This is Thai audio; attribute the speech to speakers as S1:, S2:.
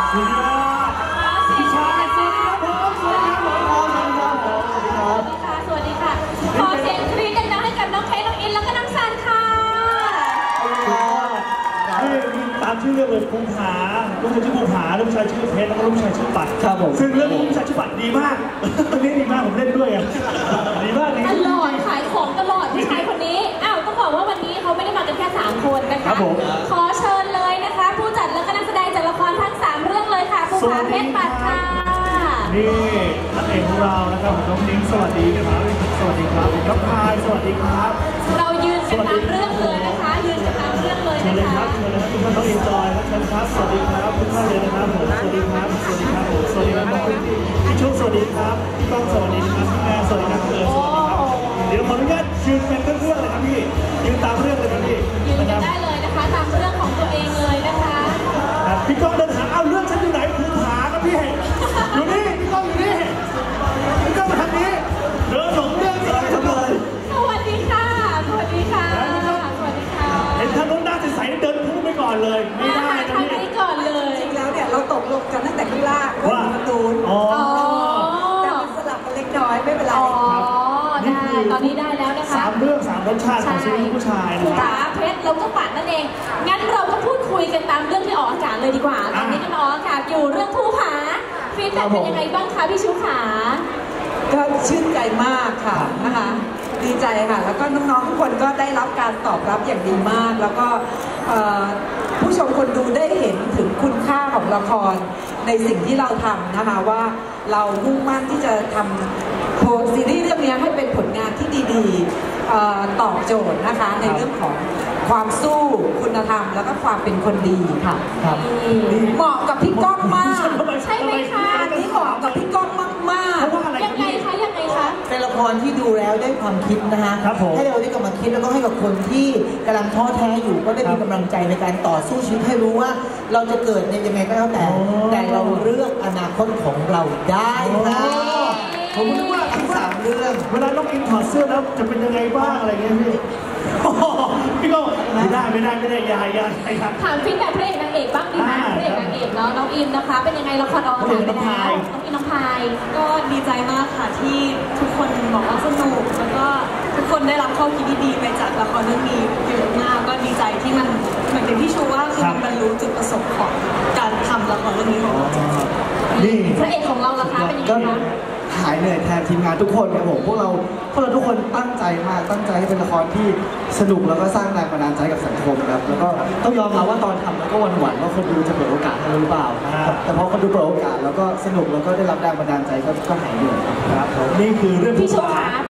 S1: สุดยอดพี่ชายสวัสดีครับผมสวัสดีครับผมสวัสดีครับสวัสดีค่ะ
S2: ขอเสียงกรี๊ดดังๆให้กับน้องเค้กน้องอินแล้วก็น้องซันค่ะ
S1: นี่ตามชื่อเรื่องเลยภูผาลูกชายชื่อภูผาลูกชายชื่อเพชรแล้วก็ลูกชายชื่อปัด
S3: ครับผม
S1: ซึ่งเรื่องลูกชายชื่อปัดดีมากเรื่องนี้ดีมากผมเล่นด้วยอ่ะดีมาก
S2: ตลอดขายของตลอดผู้ชายคนนี้อ้าวต้องบอกว่าวันนี้เขาไม่ได้มากันแค่3คนนะคะขอเชิญเลยนะคะผู้จัดและก็นักแสดงจากละครทั้ง3เรื่องเลยค่ะภูผาเพชรปัดค่ะ
S1: นี่นักเอกของเรานะครับน้องนิ้งสวัสดีครับสวัสดีครับน้องพายสวัสดีครับ
S2: เรายืนกันตามเรื่องเลยนะคะยืนกันตามเรื่องเลยนะคะ
S1: เชิญเลยครับทุกท่านต้องเอ็นจอยครับเชิญครับสวัสดีครับทุกท่านเลยนะครับผมสวัสดีครับสวัสดีครับผมสวัสดีครับพี่ชุกสวัสดีครับพี่ก้องสวัสดีครับพี่แม่สวัสดีครับสวัสดีครับเดี๋ยวขออนุญาตยืนเป็นเรื่องเลยครับพี่ยืนตามเรื่องเลยครับพี่
S2: ยืนกันได้เลยนะคะตามเรื่องของตัวเองเลยนะคะ
S1: พี่ก้องเดินหาเอาเรื่องฉันอยู่ไหนภูผาครับพี่อยู่นี่พี่ก้องอยู่นี่พี่ก้องมาทางนี้เดินหลงเรื่องอะไรทำเลย
S2: สวัสดีค่ะสวัสดีค่ะสวัสดีค่ะ
S1: เห็นท่านน้องหน้าใสๆเดินพุ่งไปก่อนเลยไม่ได้นะพี่
S2: ทางนี้ก่อนเลย
S3: จริงแล้วเนี่ยเราตกลงกันตั้งแต่ข้างล่างว่าประตูแต่มันสลับกันเล็กน้อยไม่เป็นไร
S2: ได้ตอนนี้ได้แล้วนะคะ
S1: 3 เรื่อง 3 รสชาติของซีรีส์ผู้ชาย
S2: ภูผาเพชรแล้วก็ปัดนั่นเองงั้นเราก็พูดคุยกันตามเรื่องที่ออกอากาศเลยดีกว่าตอนนี้กันออกอากาศอยู่เรื่องภูผาฟีดแบ็กเป็นยังไงบ้างคะพี่ชูขา
S3: ก็ชื่นใจมากค่ะนะคะดีใจค่ะแล้วก็น้องๆทุกคนก็ได้รับการตอบรับอย่างดีมากแล้วก็ผู้ชมคนดูได้เห็นถึงคุณค่าของละครในสิ่งที่เราทำนะคะว่าเรามุ่งมั่นที่จะทำซีรีส์เรื่องนี้ให้เป็นผลงานที่ดีๆตอบโจทย์นะคะในเรื่องของความสู้คุณธรรมแล้วก็ความเป็นคนดีค่ะเหมาะกับพี่ก้องมาก
S2: ใช่ไหมคะ
S3: อันนี้เหมาะกับพี่ก้องมาก
S2: ๆยังไงคะยังไงคะ
S4: เป็นละครที่ดูแล้วได้ความคิดนะคะให้เราได้กำลังคิดแล้วก็ให้กับคนที่กำลังท้อแท้อยู่ก็ได้มีกำลังใจในการต่อสู้ชีวิตให้รู้ว่าเราจะเกิดในยังไงก็แล้วแต่เราเลือกอนาคตของเราได้ค่ะ
S1: ผมนึกว่า
S4: ทั้ง3 เรื่อง
S1: เวลาน้องอินถอดเสื้อแล้วจะเป็นยังไงบ้างอะไรเงี้ยพี่ก็ไม่ได้ยายครับ
S2: ถามฟีดแบ็กพระเอกนางเอกบ้างดีไหมพระเอกนางเอกเนาะน้องอินนะคะเป็นยังไงละครออกอากาศไปแล้วน้องอินน้องพาย
S5: ก็ดีใจมากค่ะที่ทุกคนบอกว่าสนุกแล้วก็ทุกคนได้รับข้อคิดดีๆไปจากละครเรื่องนี้เยอะมากก็ดีใจที่มันเหมือนที่ชูว่าคือมันบรรลุจุดประสงค์ของการทำละครเรื่องนี้ของเรา
S1: นี่
S2: พระเอกของเราล่ะคะเป็นยังไงคะ
S3: หายเหนื่อยแทนทีมงานทุกคนครับผมพวกเราทุกคนตั้งใจมากตั้งใจให้เป็นละครที่สนุกแล้วก็สร้างแรงบันดาลใจกับสังคมครับแล้วก็ต้องยอมรับว่าตอนทำแล้วก็หวั่นว่าคนดูจะเปิดโอกาสให้หรือเปล่าแต่พอคนดูเปิดโอกาสแล้วก็สนุกแล้วก็ได้รับแรงบันดาลใจก็หายเหนื่อย
S1: ครับนี่คือเรื่อง
S2: พี่โชว์